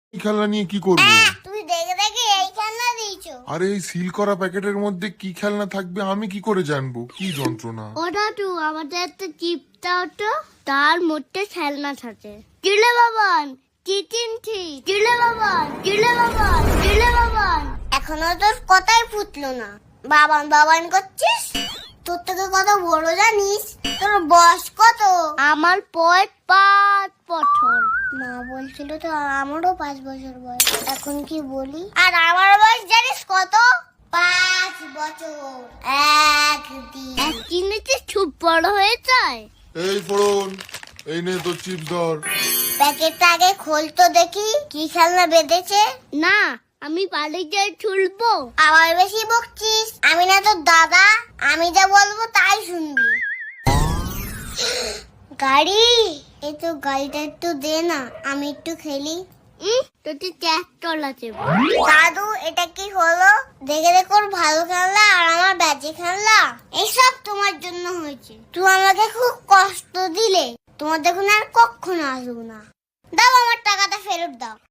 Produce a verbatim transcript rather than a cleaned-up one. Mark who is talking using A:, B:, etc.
A: এই খেলনা নিয়ে কি করবো?
B: তুমি দেখে দেখে এই খেলনা দিয়েছো।
A: আরে এই সিল করা প্যাকেটের মধ্যে কি খেলনা থাকবে আমি কি করে জানবো? কি যন্ত্রণা!
B: ওটা তো আমাদের একটা চিপ দাও তো, তার মধ্যে খেলনা থাকে। চিলে বাবান, চিচিন ঠিক, চিলে বাবান, চিলে বাবান, চিলে বাবান। এখনো তোর কথাই ফুটলো না, বাবান বাবান করছিস। তোর থেকে কত বড় জানিস? তোর বয়স কত? আমার বয়স পাঁচ বছর। মা বলছিল তো আমারও পাঁচ বছর বয়স। এখন কি বলি? আর আমার বয়স জানিস কত? পাঁচ বছর এক দিন। একদিনে যে খুব বড় হয়ে যায়।
A: এই ফোড়ন, এই নে তোর চিপস ধর।
B: প্যাকেটটা আগে খোলতো দেখি কি খেলনা বেঁধেছে। না, আমি বাড়ি গিয়ে খুলবো। আবার বেশি বকছিস। আমি না তোর দাদা, আমি যা বলবো তাই শুনবি। গাড়ি, এই তো গাড়িটা একটু দে না, আমি একটু খেলি। তোকে ট্র্যাক্টর আছে। দাদু, এটা কি হলো? দেখে দেখো ওর ভালো খেলনা আর আমার বাজে খেলনা। এইসব তোমার জন্য হয়েছে। তুই আমাকে খুব কষ্ট দিলে। তোমার দেখুন আর কখনো আসবো না। দাও আমার টাকাটা ফেরত দাও।